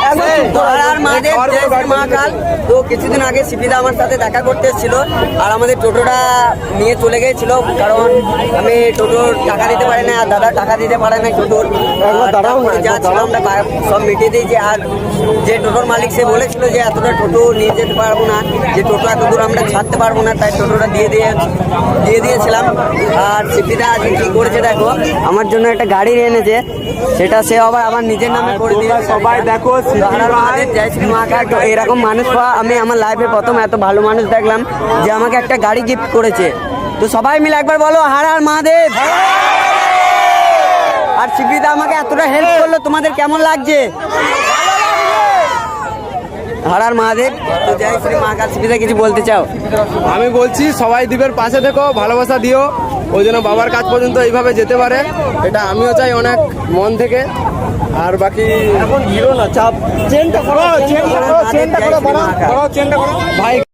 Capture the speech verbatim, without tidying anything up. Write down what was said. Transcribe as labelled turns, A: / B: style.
A: মহাকাল তো কিছুদিন আগে সিপিদা আমার সাথে দেখা করতে এসেছিল আর আমাদের টোটোটা নিয়ে চলে গিয়েছিল, কারণ আমি টোটোর টাকা দিতে পারি না আর দাদা টাকা দিতে পারে না টোটোর। তারপরে যা ছিল আমরা সব মিটিয়ে দিয়েছি। আর যে টোটোর মালিক সে বলেছিল যে এতটা টোটো নিয়ে যেতে পারবো না, যে টোটো এত দূর আমরা ছাড়তে পারবো না, তাই টোটোটা দিয়ে দিয়ে দিয়ে দিয়েছিলাম। আর সিপিদা আজকে কী করেছে দেখো, আমার জন্য একটা গাড়ি এনেছে, সেটা সে আবার আমার নিজের নামে করে দিয়ে
B: সবাই দেখো
A: জয় শ্রী মহাকাল। তো এরকম মানুষ পাওয়া আমি আমার লাইফে প্রথম এত ভালো মানুষ দেখলাম যে আমাকে একটা গাড়ি গিফট করেছে। তো সবাই মিলে একবার বলো হার হার মহাদেব। আর সিপিদা আমাকে এতটা হেল্প করলো, তোমাদের কেমন লাগছে? হার হার মহাদেব। তো জয় শ্রী মহাকাল। সিপিদা কিছু বলতে চাও?
B: আমি বলছি সবাই দ্বীপের পাশে থেকো, ভালোবাসা দিও, ওই জন্য বাবার কাজ পর্যন্ত এইভাবে যেতে পারে, এটা আমিও চাই অনেক মন থেকে। আর বাকি এখন হিরো না চাপ চেনটা করো চেনটা করো চেনটা করো ভাই।